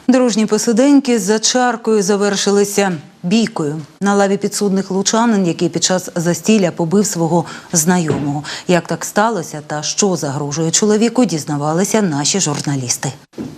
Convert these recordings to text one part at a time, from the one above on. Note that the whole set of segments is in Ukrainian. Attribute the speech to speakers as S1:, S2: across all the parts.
S1: Дружні посиденьки за чаркою завершилися бійкою на лаві підсудних лучанин, який під час застілля побив свого знайомого. Як так сталося та що загрожує чоловіку, дізнавалися наші журналісти.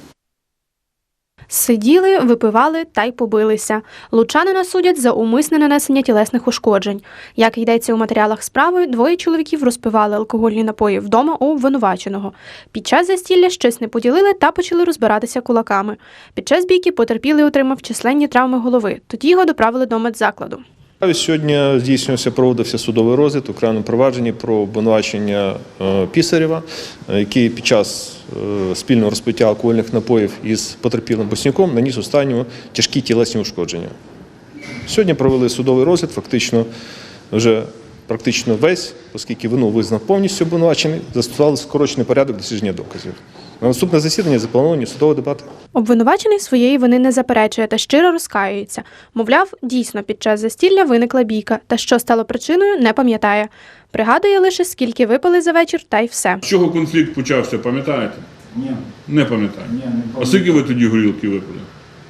S2: Сиділи, випивали та й побилися. Лучанина судять за умисне нанесення тілесних ушкоджень. Як йдеться у матеріалах справи, двоє чоловіків розпивали алкогольні напої вдома у обвинуваченого. Під час застілля щось не поділили та почали розбиратися кулаками. Під час бійки потерпілий отримав численні травми голови. Тоді його доправили до медзакладу.
S3: Сьогодні проводився судовий розгляд у кримінальному провадженні про обвинувачення Пісарєва, який під час спільного розпиття алкогольних напоїв із потерпілим Боснюком наніс останньому тяжкі тілесні ушкодження. Сьогодні провели судовий розгляд, практично весь, оскільки вину визнав повністю обвинувачений, застосували скорочений порядок дослідження доказів. На наступне засідання заплановані судові дебати.
S2: Обвинувачений своєї вини не заперечує та щиро розкаюється. Мовляв, дійсно під час застілля виникла бійка, та що стало причиною, не пам'ятає. Пригадує лише, скільки випили за вечір, та й все.
S4: З чого конфлікт почався, пам'ятаєте?
S5: Ні.
S4: Не пам'ятаю.
S5: Ні, не пам'ятаю.
S4: А скільки ви тоді горілки випили?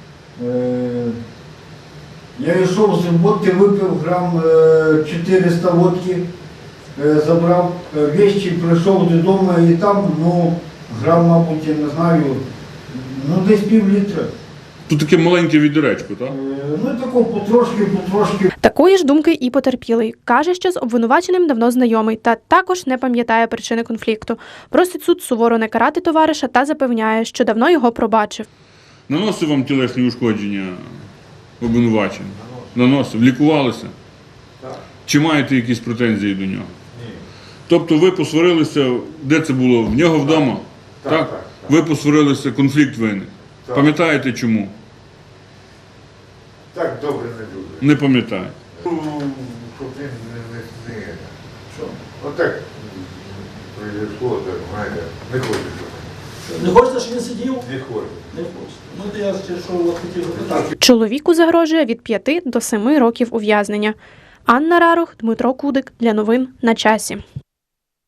S5: Я йшов з водки, випив грам 400 водки, забрав вещи, прийшов додому і там, грам, мабуть, я не знаю, десь пів-літра.
S4: Тут таке маленьке відеречко, так?
S5: Тако потрошки.
S2: Такої ж думки і потерпілий. Каже, що з обвинуваченим давно знайомий та також не пам'ятає причини конфлікту. Просить суд суворо не карати товариша та запевняє, що давно його пробачив.
S4: Наносив вам тілесні ушкодження обвинувачення? Наносив? Лікувалися?
S5: Так.
S4: Чи маєте якісь претензії до нього?
S5: Ні.
S4: Тобто ви посварилися, де це було? В нього вдома? Так. Ви посварилися, конфлікт виник.
S5: Так.
S4: Пам'ятаєте чому?
S5: Так, добре, не дуже.
S4: Не пам'ятаю.
S5: Щоб отак произошло, так, знаєте, не хочеться.
S6: Не хочете, щоб він сидів?
S5: Не хочеться.
S6: Не хочете. Я ще що хотів запитати.
S2: Чоловіку загрожує від 5 до 7 років ув'язнення. Анна Рарух, Дмитро Кудик. Для новин на часі.